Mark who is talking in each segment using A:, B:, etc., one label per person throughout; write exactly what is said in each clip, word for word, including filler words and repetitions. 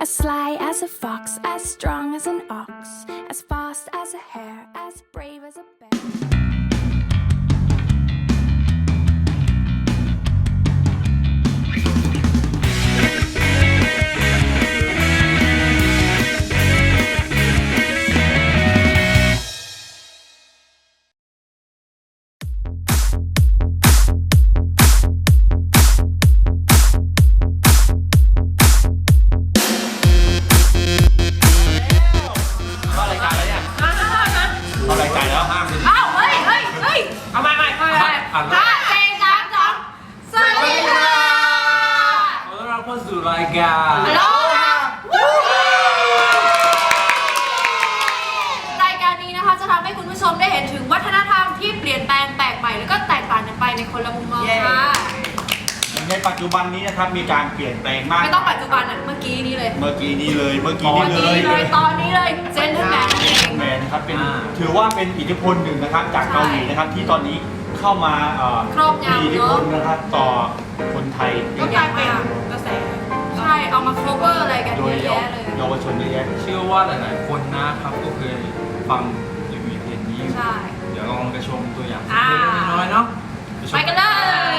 A: As sly as a fox, as strong as an ox, as fast as a hare, as brave as a bear.
B: รายการ
C: รายการนี้นะคะจะทำให้คุณผู้ชมได้เห็นถึงวัฒนธรรมที่เปลี่ยนแปลงแปลกใหม่แล้วก็แตกต่างกันไปในคนละมุมมองค่ะ
D: ในปัจจุบันนี้นะครับมีการเปลี่ยนแปลงมาก
C: ไม่ต้องปัจจุบันอ่ะเมื่อกี้นี้เลย
D: เมื่อกี้นี้เลยเมื่อกี้นี้
C: เลยตอนนี้เลยเจนเทอร์แมนเอง
D: แมนนะครับเป็นถือว่าเป็นอิทธิพลหนึ่งนะครับจากเกาหลีนะครับที่ตอนนี้เข้ามา
C: ครอบงำ
D: มีอิทธิพลนะครับต่อคนไทย
C: ก็กลายเป็นกระแสใช่เอามา cover อะไรกันเยอะแยะเลย
D: เยาวชนเยอะแยะ
B: เชื่อว่าหลายๆคนนะครับก็เคยฟังรีวิวเพลงนี้
C: ใช่
B: เดี๋ยวลองไปชมตัวอย่างเล็กน้อยเนาะ
C: ไปกันเลย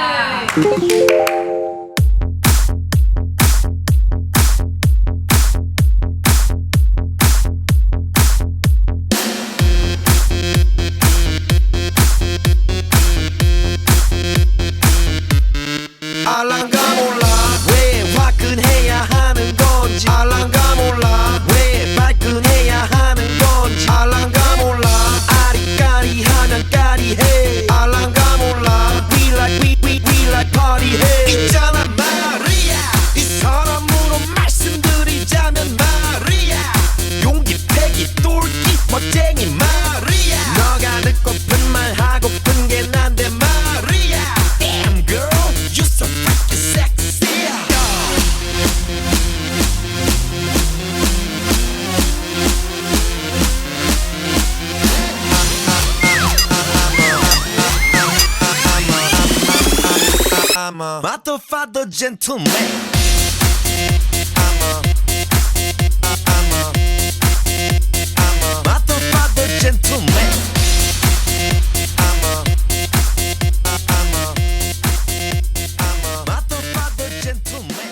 E: I'm a motherfucker gentleman. I'm a, I'm a, I'm a motherfucker gentleman. I'm a, I'm a, I'm a motherfucker gentleman.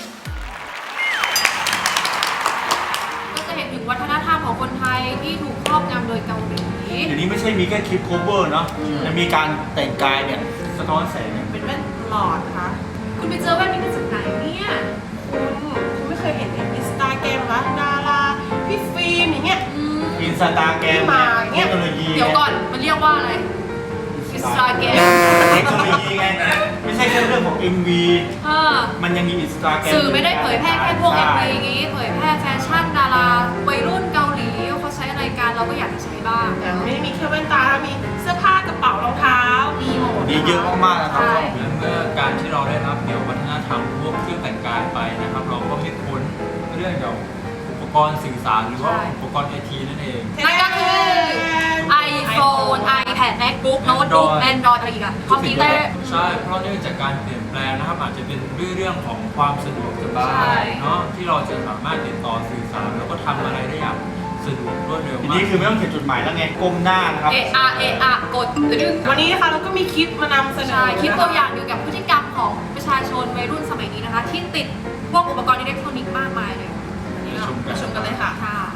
C: ก็จะเห็นถึงวัฒนธรรมของคนไทยที่ถูกครอบงำโดยเกาหลี
D: เดี๋ยวนี้ไม่ใช่มีแค่คลิป cover เนาะจะมีการแต่งกายเนี่ยสะท้อนแสง
F: เป็นแว่นหลอดนะคะ
C: คุณไปเจอแว่นนี้มาจากไหนเนี่ย
F: คุณคุณไม่เคยเห็นในอินสตาแกรมวะดาราพี่ฟิล์มอย่างเงี้ย
D: อินสตาแกรมเทคโนโลยี
C: เดี๋ยวก่อนมันเรียกว่าอะไรอินสตาแกรม
D: เทคโนโลยีไงไม่ใช่แค่เรื่องของ เอ็ม วี มันยังมีอินสตาแกรม
C: สื่อไม่ได้เผยแพร่แค่พวก เอ็ม วี อย่างงี้เผยแพร่แฟชั่นดาราวัยรุ่นเกาหลีเขาใช้อะไรกันเราก็อยากจะใช้บ้าง
F: ไม่ได้มีแค่แว่นตามีเสื้อผ้ากระเป๋ารองเท้ามีหมด
D: มีเยอะมากๆนะครับ
B: เมื่อการที่เราได้รับเกี่ยววัฒนธรรมพวกเครื่องแต่งกายไปนะครับเราก็ไม่พ้นเรื่องเกี่ยวกับอุปกรณ์สื่อสารหรือว่าอุปกรณ์ไอทีนั่นเอง
C: นั่นก็คือ iPhone iPad MacBook Notebook Android อะไรอีกอะคอมพิวเตอร์
B: ใช่เพราะเนื่องจากการเปลี่ยนแปลงนะครับอาจจะเป็นเรื่องของความสะดวกสบายเนาะที่เราจะสามารถติดต่อสื่อสารแล้วก็ทำอะไรได้อย่างสะดวกรวดเร็วมาก
D: ทีนี้คือไม่ต้องเขียนจดหมายแล้วไงก้มหน้านะครับ
C: เออะเออะกดดึง
F: วันนี้นะคะเราก็มีคลิปมานำเสนอ
C: คลิปตัวอย่างเกี่ยวกับพฤติกรรมของประชาชนวัยรุ่นสมัยนี้นะคะที่ติดพวกอุปกรณ์อิเล็กทรอนิกส์มากมายเลย
B: ชมกัน
F: ชมกันเลยค่ะ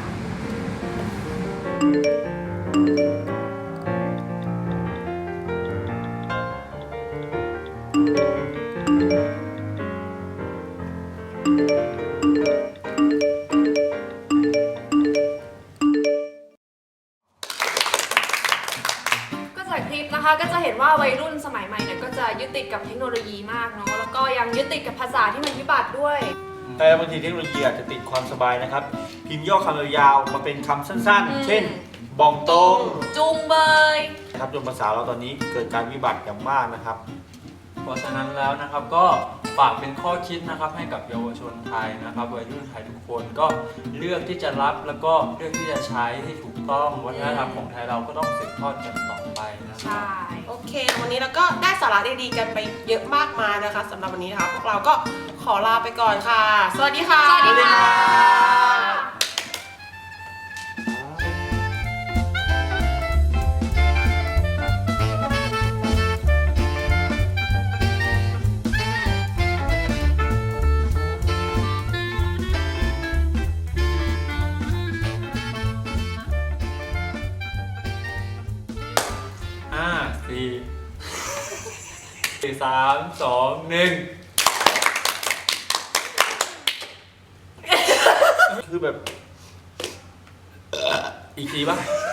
C: คลิปนะคะก็จะเห็นว่าวัยรุ่นสมัยใหม่เนี่ยก็จะยึดติดกับเทคโนโลยีมากเนาะแล้วก็ยังยึดติดกับภาษาที่มันวิบัติด้วย
D: แต่บางทีเทคโนโลยีอาจจะติดความสบายนะครับพิมพ์ย่อคำยาวมาเป็นคำสั้นๆเช่นบองตง
C: จุงเบย
D: นะครับจนภาษาเราตอนนี้เกิดการวิบัติอย่างมากนะครับ
B: เพราะฉะนั้นแล้วนะครับก็ฝากเป็นข้อคิดนะครับให้กับเยาวชนไทยนะครับวัยรุ่นไทยทุกคนก็เลือกที่จะรับแล้วก็เลือกที่จะใช้ให้ถูกต้องวัฒนธรรมของไทยเราก็ต้องสืบทอดกันต่อไปนะ
C: ใช่
F: โอเค วันนี้เราก็ได้สาระดีๆกันไปเยอะมากมายนะคะสำหรับวันนี้นะคะพวกเราก็ขอลาไปก่อนค่ะ สวัสดีค่ะ
C: สวัสดีค่ะ
B: ห้าสี่สี่สามสองหนึ่ง
D: คือแบบ อีกทีป่ะ